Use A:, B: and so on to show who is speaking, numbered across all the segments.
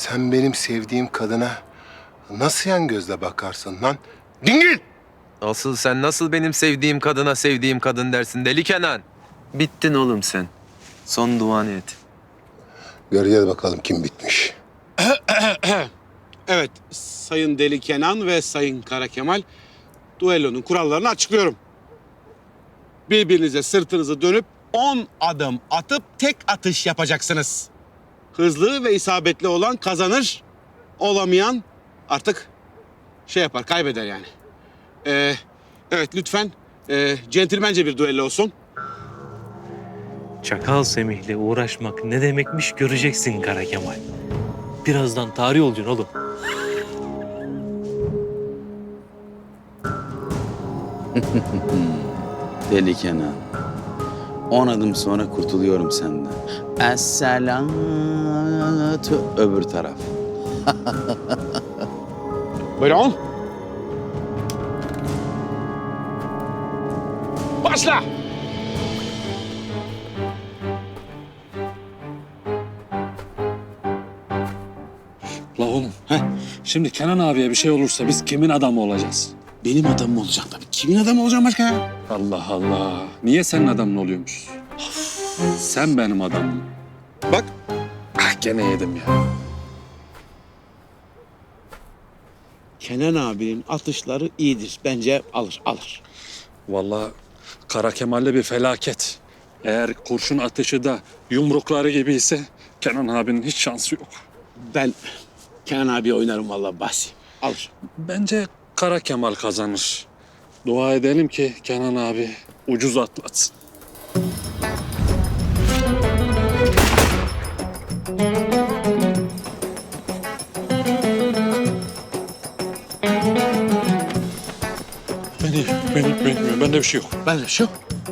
A: Sen benim sevdiğim kadına nasıl yan gözle bakarsın lan? Dingil!
B: Asıl sen nasıl benim sevdiğim kadına sevdiğim kadın dersin deli Kenan? Bittin oğlum sen. Son duanı et.
A: Göreceğiz bakalım kim bitmiş.
C: Evet, Sayın Deli Kenan ve Sayın Kara Kemal, duellonun kurallarını açıklıyorum. Birbirinize sırtınızı dönüp 10 adım atıp tek atış yapacaksınız. Hızlı ve isabetli olan kazanır, olamayan artık şey yapar, kaybeder yani. Evet, lütfen centilmence bir duello olsun.
D: Çakal Semih'le uğraşmak ne demekmiş göreceksin Kara Kemal. Birazdan tarih olacaksın oğlum.
E: Deli Kenan. 10 adım sonra kurtuluyorum senden. Es-selatü öbür taraf.
C: Buyurun. Başla!
F: La oğlum, şimdi Kenan abiye bir şey olursa biz kimin adamı olacağız?
C: Benim adamım olacak tabii. Kimin adamı olacağım başka ya?
F: Allah Allah. Niye senin adamın oluyormuş? Sen benim adamım.
C: Bak,
F: Gene yedim ya.
C: Kenan abinin atışları iyidir. Bence alır.
F: Vallahi Kara Kemal'le bir felaket. Eğer kurşun atışı da yumrukları gibi ise Kenan abinin hiç şansı yok.
C: Ben Kenan abi oynarım vallahi Bahsi. Alır.
F: Bence Kara Kemal kazanır. Dua edelim ki Kenan abi ucuz atlatsın. Bende bir şey yok.
C: Ben de şu.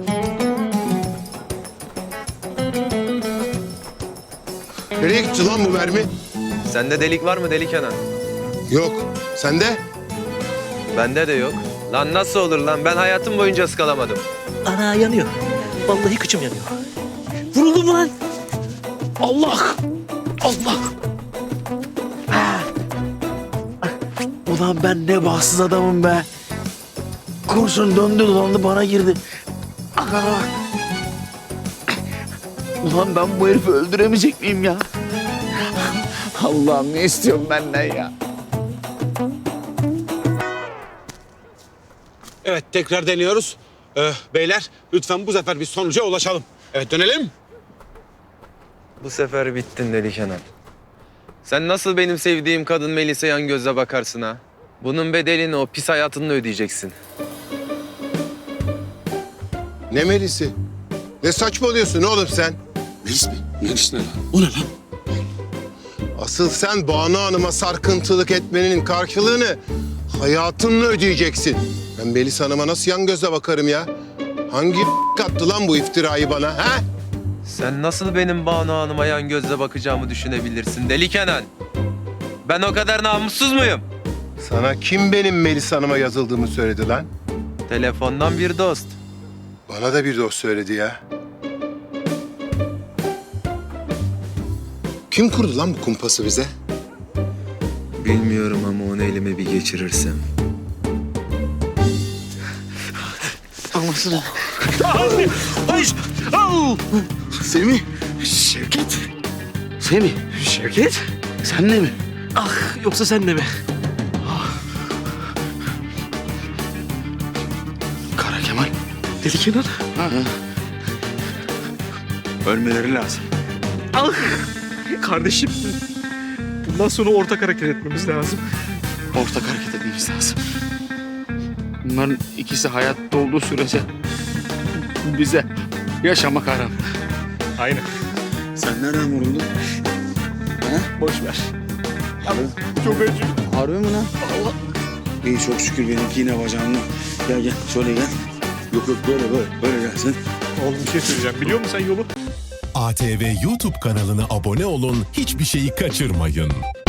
A: Nereye gitti lan bu mermi?
B: Sende delik var mı deli Kenan?
A: Yok. Sende?
B: Bende de yok. Lan nasıl olur lan? Ben hayatım boyunca ıskalamadım.
D: Ana yanıyor. Vallahi kıçım yanıyor. Vuruldum lan. Allah! Allah! Ah! Ulan ben ne bahtsız adamım be. Kurşun döndü dolandı bana girdi. Ah! Ulan ben bu herifi öldüremeyecek miyim ya? Allah'ım ne istiyorsun benden ya?
C: Evet, tekrar deniyoruz. Beyler, lütfen bu sefer bir sonuca ulaşalım. Evet, dönelim.
B: Bu sefer bittin deli Kenan. Sen nasıl benim sevdiğim kadın Melis'e yan gözle bakarsın ha? Bunun bedelini o pis hayatınla ödeyeceksin.
A: Ne Melis'i? Ne saçmalıyorsun oğlum sen?
C: Melis mi?
F: Melis ne lan?
C: O ne lan?
A: Asıl sen Banu Hanım'a sarkıntılık etmenin karşılığını hayatınla ödeyeceksin. Ben Melis Hanım'a nasıl yan gözle bakarım ya? Hangi kattı lan bu iftirayı bana ha?
B: Sen nasıl benim Banu Hanım'a yan gözle bakacağımı düşünebilirsin deli Kenan? Ben o kadar namussuz muyum?
A: Sana kim benim Melis Hanım'a yazıldığımı söyledi lan?
B: Telefondan bir dost.
A: Bana da bir dost söyledi ya. Kim kurdu lan bu kumpası bize?
B: Bilmiyorum ama onu elime bir geçirirsem.
D: Anlasın.
A: Semih.
D: Şevket. Semih. Şevket. Sen de mi? Ah yoksa sen de mi?
A: Kara Kemal.
D: Deli Kenan.
A: Ölmeleri lazım.
D: Ah kardeşim. Bundan sonra ortak hareket etmemiz lazım.
E: Ortak hareket etmemiz lazım. Bunların ikisi hayatta olduğu sürece bize yaşamak haram.
D: Aynen.
E: Sen nereden vuruldun?
D: Boş ver. Çok acıyor.
E: Harbi mi lan? Allah. İyi çok şükür benimki yine bacağımda. Gel şöyle gel. Yok böyle gelsin.
D: Oğlum bir şey söyleyeceğim. Biliyor musun sen yolu?
G: ATV YouTube kanalına abone olun, hiçbir şeyi kaçırmayın.